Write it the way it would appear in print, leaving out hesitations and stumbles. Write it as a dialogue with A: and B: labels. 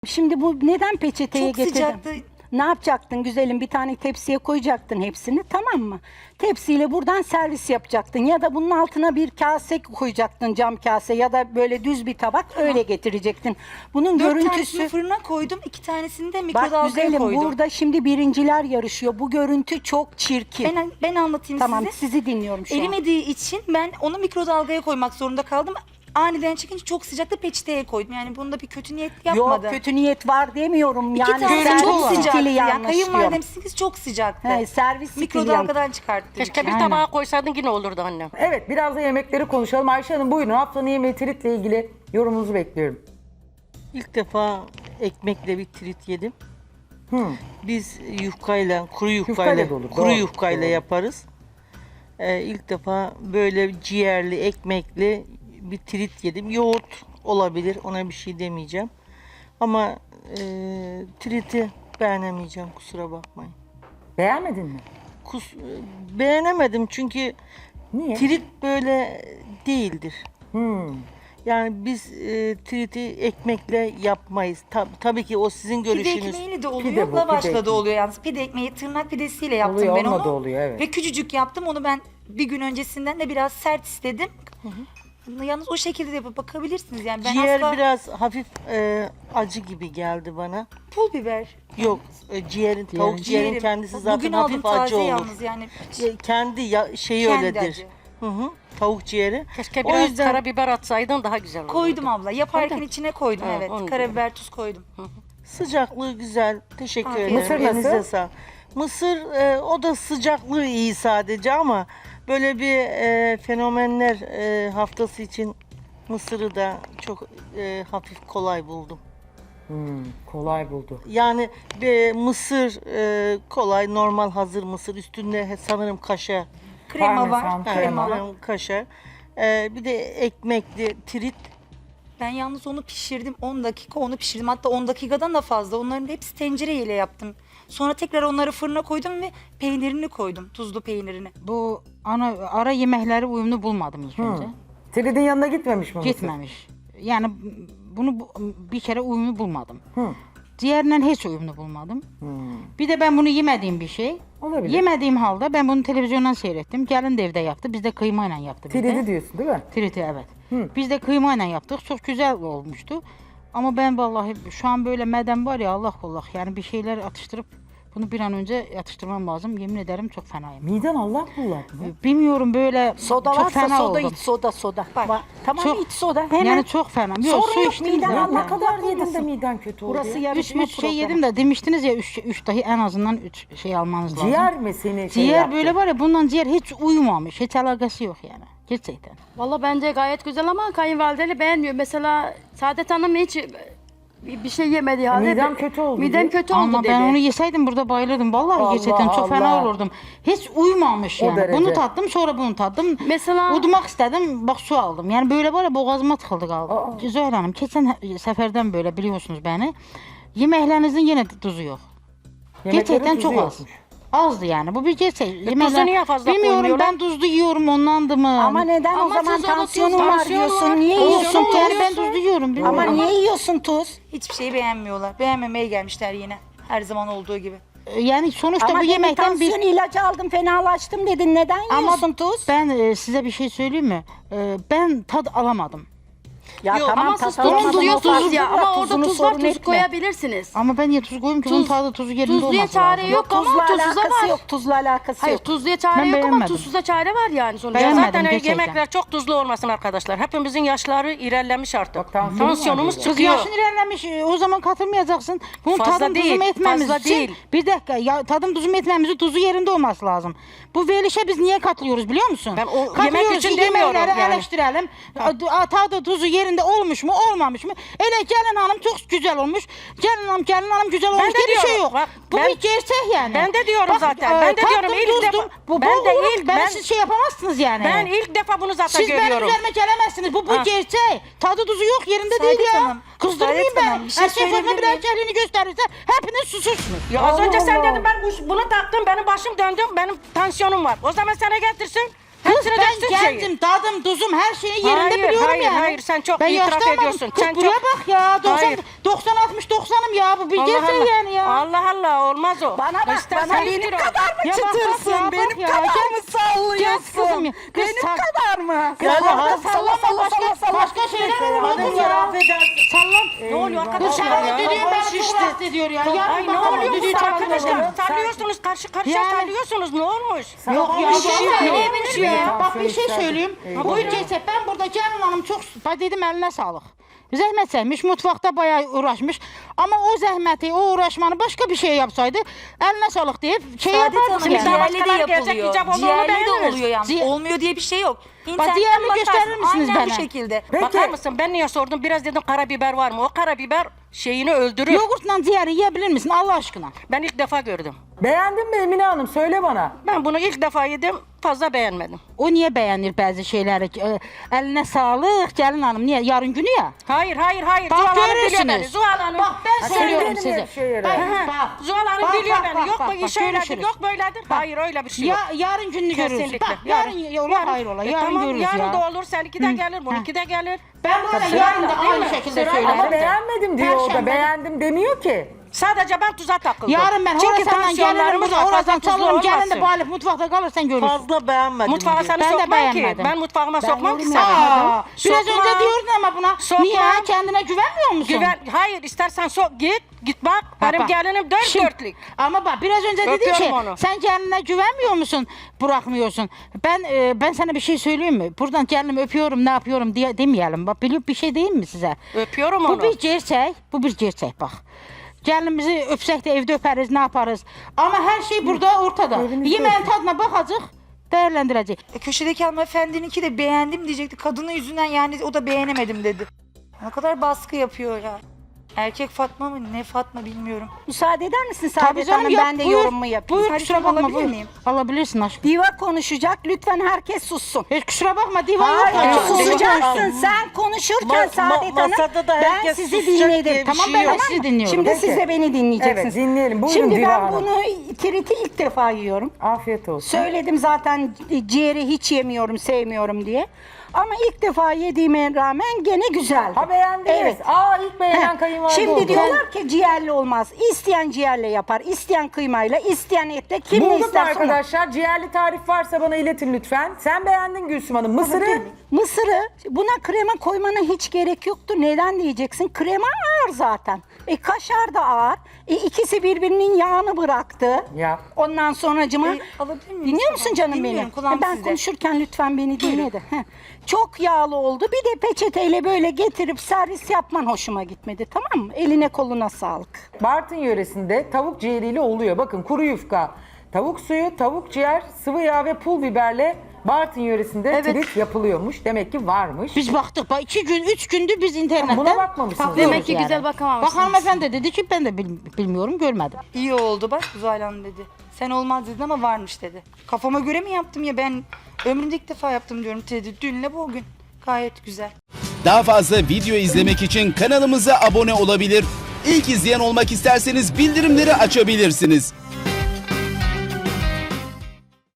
A: Şimdi bu neden peçeteye
B: Çok
A: getirdin?
B: sıcaktı.
A: Ne yapacaktın güzelim? Bir tane tepsiye koyacaktın hepsini, tamam mı? Tepsiyle buradan servis yapacaktın. Ya da bunun altına bir kase koyacaktın, cam kase ya da böyle düz bir tabak, öyle getirecektin. Bunun
B: 4
A: görüntüsü...
B: tanesini fırına koydum, 2 tanesini de
A: Bak
B: mikrodalgaya
A: güzelim,
B: koydum.
A: burada şimdi birinciler yarışıyor. Bu görüntü çok çirkin.
B: Ben anlatayım
A: Tamam,
B: size.
A: sizi dinliyorum şu an.
B: Erimediği için ben onu mikrodalgaya koymak zorunda kaldım. Aniden çıkınca çok sıcakta peçeteye koydum. Yani bunda bir kötü niyet yapmadım.
A: Yok, kötü niyet var demiyorum.
B: İki
A: Yani
B: tanesi
A: servis
B: çok sıcaktı.
A: stili
B: Yani
A: yanlış diyorum.
B: kayınvalidem sizinki çok sıcaktı.
A: He, servis stili yanlış.
B: Mikrodalgadan çıkarttım.
C: Keşke bir
A: Aynen.
C: tabağa koysaydın yine olurdu annem.
D: Evet, biraz da yemekleri konuşalım. Ayşe Hanım buyurun, haftanın yemeği tritle ilgili yorumunuzu bekliyorum.
E: İlk defa ekmekle bir trit yedim. Biz yufkayla, kuru
D: Yufkayla
E: yufkayla,
D: da olur,
E: kuru
D: doğru,
E: yufkayla
D: doğru.
E: yaparız. İlk defa böyle ciğerli, ekmekli bir trit yedim. Yoğurt olabilir, ona bir şey demeyeceğim. Ama triti beğenemeyeceğim, kusura bakmayın.
D: Beğenmedin mi?
E: Beğenemedim çünkü
D: Niye?
E: trit böyle değildir.
D: Hmm.
E: Yani biz triti ekmekle yapmayız. Tabii ki o sizin
B: Pide
E: görüşünüz.
B: ekmeğiyle de oluyor,
D: Pide bu,
B: lavaşla
D: pide
B: da oluyor yalnız. Pide ekmeği tırnak pidesiyle yaptım
D: Oluyor,
B: ben
D: onunla
B: onu.
D: da oluyor, evet.
B: Ve küçücük yaptım. Onu ben bir gün öncesinden de biraz sert istedim. Yalnız o şekilde de yapıp bakabilirsiniz. Yani ben
E: Ciğer
B: asla
E: biraz hafif acı gibi geldi bana.
B: pul biber.
E: Yok, tavuk ciğerin
B: Ciğerim.
E: kendisi zaten
B: Bugün
E: hafif
B: aldım
E: acı
B: taze
E: olur.
B: yalnız yani.
E: Kendi şeyi
B: Kendi
E: öyledir.
B: acı.
E: Hı hı, tavuk ciğeri.
C: Keşke
E: O
C: biraz
E: yüzden
C: karabiber atsaydın daha güzel olurdu.
B: Koydum abla. Yaparken
C: Koydun.
B: içine koydum,
C: Ha,
B: evet.
C: onu
B: Karabiber, tuz koydum.
E: sıcaklığı güzel. Teşekkür
B: Afiyet
E: ederim.
D: olsun. Mısır
E: Elinize
D: nasıl?
E: sağlık. Mısır o da sıcaklığı iyi sadece ama böyle bir fenomenler haftası için Mısır'ı da çok hafif kolay buldum.
D: Kolay buldu.
E: Yani mısır kolay, normal hazır mısır. Üstünde sanırım kaşar.
B: Krema
D: Parmesan,
B: var.
D: krema.
B: Krema var.
E: Kaşar. Bir de ekmekli trit.
B: Ben yalnız onu pişirdim. 10 dakika onu pişirdim. Hatta 10 dakikadan da fazla. Onların hepsi tencereyle yaptım. Sonra tekrar onları fırına koydum ve peynirini koydum. Tuzlu peynirini.
F: Bu ara yemekleri uyumlu bulmadım ilk önce.
D: Tridin yanına gitmemiş mi mısır?
F: Gitmemiş. Yani bunu bir kere uyumlu bulmadım. Diğerinden hiç uyumlu bulmadım. Bir de ben bunu yemediğim bir şey.
D: Olabilir.
F: Yemediğim halde ben bunu televizyondan seyrettim. Gelin de evde yaptı. Biz de kıymayla yaptı. bir de.
D: Tridi diyorsun değil mi?
F: Triti, evet. Biz de kıymayla yaptık. Çok güzel olmuştu. Ama ben vallahi şu an böyle meden var ya, Allah Allah. Yani bir şeyler atıştırıp bunu bir an önce atıştırmam lazım. Yemin ederim çok fenayım.
D: Miden Allah kullar.
F: Bilmiyorum, böyle
A: Soda
F: çok
A: varsa
F: fena
A: soda
F: oldum.
A: iç, soda.
B: Bak,
A: Tamam,
F: çok-
A: iç soda. Hemen.
F: Yani çok fena. Yok,
A: Sorun
F: su
A: yok,
F: içtim
A: miden
F: zaten.
A: Allah
D: Ne kadar yedin de
A: olmasın.
D: miden kötü oldu
A: Burası
D: ya?
A: yarışma
F: Üç şey
A: programı.
F: yedim de demiştiniz ya, üç dahi en azından 3 şey almanız lazım.
D: Ciğer mi seni
F: Ciğer
D: yaptı?
F: böyle var ya, bundan ciğer hiç uyumamış. Hiç alakası yok yani. Gerçekten.
G: Valla bence gayet güzel ama kayınvalideleri beğenmiyor. Mesela Saadet Hanım hiç bir şey yemedi halde.
D: Midem kötü oldu
G: Midem
D: diyor.
G: kötü oldu
F: Ama
G: dedi.
F: ben onu yeseydim burada bayılırdım. Vallahi
D: Allah
F: gerçekten çok fena
D: Allah.
F: olurdum. Hiç uyumamış
D: O
F: yani.
D: derece.
F: Bunu tattım, sonra bunu tattım.
G: Mesela-
F: Udmak istedim, bak su aldım. Yani böyle var ya, boğazıma tıkıldı kaldı. Zöhre Hanım, geçen seferden böyle biliyorsunuz beni. Yemeklerinizin yine tuzu yok.
D: Yemeklerin
F: Gerçekten
D: tuzu
F: çok az.
D: yokmuş.
F: Azdı yani. Bu bir gerçek.
C: tuzu niye fazla
F: Bilmiyorum,
C: koymuyorlar?
F: ben tuzlu yiyorum, ondandı mı?
A: Ama neden o
G: Ama
A: zaman
G: tuz, o da tuz,
A: tansiyonun var
G: tansiyon
A: diyorsun?
G: var.
A: Niye
G: Olsun,
A: yiyorsun
F: Olsun, yani
A: tuz?
F: ben tuzlu yiyorum. Bilmiyorum.
A: Ama niye yiyorsun tuz?
B: Hiçbir şeyi beğenmiyorlar. Beğenmemeye gelmişler yine. Her zaman olduğu gibi.
F: Yani sonuçta
A: Ama
F: bu
A: demin
F: yemekten bir...
A: tansiyon ilacı aldım, fenalaştım dedin. Neden
F: Ama
A: yiyorsun tuz?
F: ben size bir şey söyleyeyim mi? Ben tad alamadım.
A: Ya
C: Yok,
A: tamam,
G: Ama siz
A: tatlamadın,
G: tuzlu
A: o
G: diyorsunuz
A: farklı
G: ya,
A: da
G: ama orada
A: tuzunu
G: tuz var,
A: sorun
G: tuz
A: etme.
G: koyabilirsiniz.
F: Ama ben niye tuz koyayım ki? Bunun tadı tuzu yerinde
G: tuzluya
F: olması
G: çare
F: lazım.
G: yok ama
A: Tuzla
G: tuzsuza
A: alakası
G: var.
A: yok, tuzla alakası
G: Hayır,
A: yok.
G: tuzluya çare
F: Ben
G: yok ama
F: beğenmedim.
G: tuzsuza çare var yani sonuçta.
F: Beğenmedim.
C: Zaten
F: gerçekten.
C: yemekler çok tuzlu olmasın arkadaşlar. Hepimizin yaşları ilerlemiş artık.
D: Bak, tansiyonum var
C: Tansiyonumuz
D: diyorlar.
F: Kız
C: çıkıyor.
F: yaşın ilerlemiş, o zaman katılmayacaksın. Bunun
C: Fazla
F: tadım
C: değil,
F: tuzum etmemiz
C: fazla
F: için
C: değil.
F: bir dakika ya, tadım tuzum etmemizi tuzu yerinde olması lazım. Bu verilişe biz niye katılıyoruz biliyor musun?
C: Ben o yemek
F: Katılıyoruz
C: için
F: ki
C: demiyorum
F: yemekleri
C: yani.
F: eleştirelim. Tadı tuzu yerinde olmuş mu olmamış mı? Ele gelin hanım çok güzel olmuş. Gelin hanım güzel olmuş
C: de
F: diye bir şey
C: diyorum,
F: yok.
C: bak,
F: Bu
C: ben-
F: bir gerçek yani.
C: Ben de diyorum zaten, ben de
F: tattım,
C: diyorum ilk
F: tuzdum.
C: defa-
F: Bu
C: ben de
F: olur,
C: ilk-
F: ben
C: ben-
F: siz şey yapamazsınız yani.
C: Ben ilk defa bunu zaten
F: Siz benim
C: görüyorum.
F: üzerime gelemezsiniz. Bu
C: Ha.
F: gerçek. Tadı tuzu yok, yerinde
B: Saadet
F: değil ya.
B: Hanım,
F: Kızdırmayayım
B: Saadet
F: ben.
B: Hanım, bir şey
F: Erkek fazla
B: söyleyebilir
F: bir
B: miyim?
F: erkeğini gösterirse hepiniz susursunuz.
C: Ya az önce sen
D: Allah.
C: dedin ben bunu taktım, benim başım döndü, benim tansiyonum var. O zaman sana getirsin,
F: Kız
C: Hepsine
F: ben
C: döksün şeyi.
F: kendim, tadım, tuzum her şeyi yerinde
C: Hayır,
F: biliyorum
C: hayır,
F: yani.
C: hayır, sen çok
F: ben
C: itiraf
F: yaşlanmadım.
C: ediyorsun.
F: Kız
C: Sen
F: buraya
C: çok-
F: bak ya. 90,
C: Hayır.
F: 90-60-90'ım ya. Bu bir gerçek yani ya.
C: Allah Allah olmaz o.
A: Bana bak,
C: İstersen
A: bana
C: yüz
A: benim
C: kilo.
A: kadar mı
F: Ya bak, bak
A: çıtırsın?
F: ya, bak
A: Benim
F: ya.
A: kadar
F: Gel-
A: mı sallıyorsun?
F: Gel kızım ya. Kız
A: Benim
F: sal-
A: kadar mı?
F: Ya
A: Salla,
F: sallama
A: salla,
F: başka,
A: salla,
F: başka şeyler var oğlum ya. Sallam.
C: Ne oluyor
F: Kız
C: arkadaşlar
F: sen
C: ya?
F: düdüğün beni çok rahatsız ediyor ya.
C: Ay
F: Yarın
C: ne
F: bakalım
C: oluyor
F: düdüğü
C: bu
F: çalalım.
C: arkadaşlar? Sallıyorsunuz karşı karşıya
F: Yani-
C: sallıyorsunuz. Ne olmuş?
F: Yok ya,
D: bir
F: bir
D: şey
F: şey
D: söyleyebilir miyim?
F: ya. Bak bir
D: Tansiyon
F: şey
D: yükseldi.
F: söyleyeyim.
D: Eyvah.
F: Bu ülkeyse ben burada Cemil Hanım çok dedim eline sağlık. Zəhmət çəkmiş, mutfaqda bayağı uğraşmış. Ama o zəhməti, o uğraşmanı başka bir şey yapsaydı eline sağlık deyip şey
B: Saadet
F: yapardık
B: Hanım
F: yani.
C: Ciğer-
B: ciğerli de
C: başkaları gelecek,
B: yapılıyor.
C: icap olduğunu
B: Ciğerli de
C: beğeniriz.
B: oluyor yani.
F: Ciğer-
B: Olmuyor diye bir şey yok. İnternetten
F: ciğerli
B: bakarsın.
F: gösterir misiniz
B: Aynen bu
F: bana?
B: şekilde.
D: Peki.
C: Bakar mısın? Ben niye sordum? Biraz dedim karabiber var mı? O karabiber şeyini öldürür.
F: Yoğurtla ciğeri yiyebilir misin Allah aşkına?
C: Ben ilk defa gördüm.
D: Beğendin mi Emine Hanım? Söyle bana.
C: Ben bunu ilk defa yedim. Fazla beğenmedim.
F: O niye beğenir bazı şeyleri? Eline sağlık gelin hanım. Niye? Yarın günü ya.
C: Hayır, hayır, hayır.
F: Bak
C: Zuhal Hanım biliyor
F: görürsünüz.
C: beni. Zuhal Hanım.
F: Bak ben
D: sen
F: söylüyorum
D: benim
F: size.
D: hep şeyleri.
F: Bak.
C: Zuhal Hanım
F: Bak,
C: biliyor
F: bak,
C: beni.
F: bak,
C: Yok
F: bak,
C: bu
F: bak,
C: iş öyledir,
F: görüşürüz.
C: yok böyledir. Hayır öyle bir şey yok.
F: Yarın gününü görürüz.
C: Kesinlikle.
F: Bak, yarın ola hayır ola. Yarın
C: tamam,
F: görürüz
C: yarın
F: ya.
C: da olur. Seninki de gelir, bununki de gelir.
F: Ben böyle yarın da aynı şekilde
C: Sırayla.
F: söylerim.
D: Ama beğenmedim diyor o da.
C: Perşembe.
D: Beğendim demiyor ki.
C: Sadece ben tuza takıldım.
F: Yarın ben
C: Çünkü
F: oradan gelirim
C: tansiyonlarımız
F: burada
C: var, fazla
F: oradan
C: tuzlu
F: çalırım. Gelin de
C: olmasın.
F: bu Alif mutfakta kalırsan görürsün.
E: Fazla beğenmedim.
C: Mutfağa
E: diyor.
C: seni
F: Ben de
C: sokmam ki.
F: beğenmedim.
C: Ben mutfağıma sokmam ki
A: yorum
C: seni.
F: Aa, biraz
C: Sokmam.
F: önce diyordun ama buna.
C: Sokmam.
F: Niye? Kendine güvenmiyor musun?
C: Hayır istersen sok git bak.
F: Bak,
C: Benim
F: bak.
C: gelinim dört
F: Şimdi-
C: dörtlük.
F: Ama bak biraz önce dedin
C: Öpüyorum
F: ki
C: onu.
F: sen kendine güvenmiyor musun? Bırakmıyorsun. Ben sana bir şey söyleyeyim mi? Buradan kendimi öpüyorum ne yapıyorum diye demeyelim. Bak biliyor bir şey diyeyim mi size?
C: Öpüyorum
F: Bu
C: onu.
F: bir gerçek. Bu bir gerçek bak. Gelinimizi öpsek de evde öperiz ne yaparız. Ama her şey burada ortada. Yemeğin tadına bakacak. Değerlendirecek.
B: Köşedeki hanımefendininki de beğendim diyecekti. Kadının yüzünden yani o da beğenemedim dedi. Ne kadar baskı yapıyor ya. Erkek Fatma mı ne Fatma bilmiyorum.
A: Müsaade eder misin
F: Tabii
A: Saadet
F: canım
A: Hanım?
F: yap,
A: Ben de
F: buyur.
A: yorumumu yapayım.
F: Buyur
B: Hadi
F: kusura
B: sen
F: bakma
B: alabilir
F: buyur.
B: miyim?
F: Alabilirsin aşkım.
A: Diva konuşacak. Lütfen herkes sussun.
F: Hiç kusura bakma divan yok.
A: Hayır,
F: ya.
A: susacaksın. Sen konuşurken Saadet Hanım
E: masada
A: ben
E: herkes
A: sizi
E: susacak diye
A: dinledim.
E: bir
F: Tamam
E: şey
F: ben
E: yok.
F: de sizi dinliyorum.
A: Şimdi
D: Peki.
A: siz de beni dinleyeceksiniz.
D: Evet, dinleyelim. Buyurun
A: Şimdi
D: Diva
A: ben
D: Hanım.
A: bunu tiriti ilk defa yiyorum.
D: Afiyet olsun.
A: Söyledim zaten ciğeri hiç yemiyorum, sevmiyorum diye. Ama ilk defa yediğime rağmen gene güzeldi.
D: Ha beğendiniz.
A: Evet.
D: İlk beğenen
A: Heh,
D: kayınvalide
A: Şimdi
D: oldu.
A: diyorlar ki ciğerli olmaz. İsteyen ciğerle yapar, isteyen kıymayla, isteyen etle. Kim ne
D: Bulduk mu
A: isterse onu.
D: arkadaşlar? Ciğerli tarif varsa bana iletin lütfen. Sen beğendin Gülsüm Hanım. Mısırı?
A: Mısırı buna krema koymana hiç gerek yoktu. Neden diyeceksin? Krema ağır zaten. Kaşar da ağır. İkisi birbirinin yağını bıraktı.
D: Ya.
A: Ondan sonracıma
B: Alabilir miyim?
A: dinliyor musun canım beni?
B: Dinliyorum, kulağım
A: Ben
B: sizde.
A: konuşurken lütfen beni dinle de. Heh. Çok yağlı oldu. Bir de peçeteyle böyle getirip servis yapman hoşuma gitmedi. Tamam mı? Eline koluna sağlık.
D: Bartın yöresinde tavuk ciğeriyle oluyor. Bakın kuru yufka, tavuk suyu, tavuk ciğer, sıvı yağ ve pul biberle Bartın yöresinde trit yapılıyormuş. Demek ki varmış.
F: Biz baktık. Bak 2 gün, 3 gündür biz internetten
D: Buna bakmamışsınız.
F: bakıyoruz
G: Demek ki güzel bakamamışsınız.
F: Bak hanımefendi dedi ki ben de bilmiyorum, görmedim.
B: İyi oldu bak Zuhal Hanım dedi. Sen olmaz dedin ama varmış dedi. Kafama göre mi yaptım ya ben ömrümde ilk defa yaptım diyorum dedi. Dünle bugün. Gayet güzel.
H: Daha fazla video izlemek için kanalımıza abone olabilir. İlk izleyen olmak isterseniz bildirimleri açabilirsiniz.